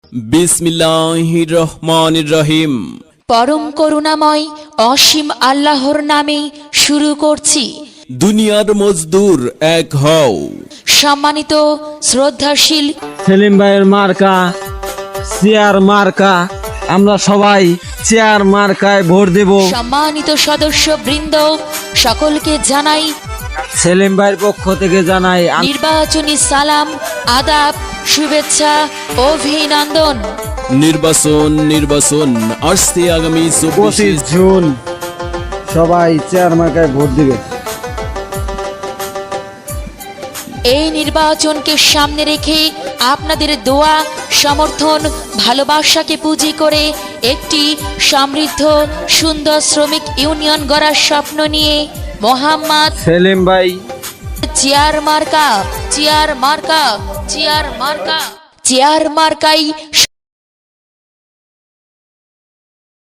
বিসমিল্লাহির রহমানির রহিম। পরম করুণাময় অসীম আল্লাহর নামে শুরু করছি। দুনিয়ার মজদুর এক হও। সম্মানিত শ্রদ্ধাশীল সেলিম ভাইয়ের মার্কা চেয়ার মার্কা, আমরা সবাই চেয়ার মার্কায় ভোট দেব। সম্মানিত সদস্য বৃন্দ সকলকে জানাই সেলিম ভাইয়ের পক্ষ থেকে জানাই নির্বাচনী সালাম, আদাব, শুভেচ্ছা, অভিনন্দন। নির্বাচন আসছে আগামী 25 জুন সবাই চেয়ার মার্কায় ভোট দিবে। এই নির্বাচনকে সামনে রেখে আপনাদের দোয়া, সমর্থন, ভালোবাসাকে পুঁজি করে একটি সমৃদ্ধ সুন্দর শ্রমিক ইউনিয়ন গড়ার স্বপ্ন নিয়ে মোহাম্মদ সেলিম ভাই চেয়ার মার্কা, চেয়ার মার্কা, চেয়ার মার্কা, চেয়ার মার্কাই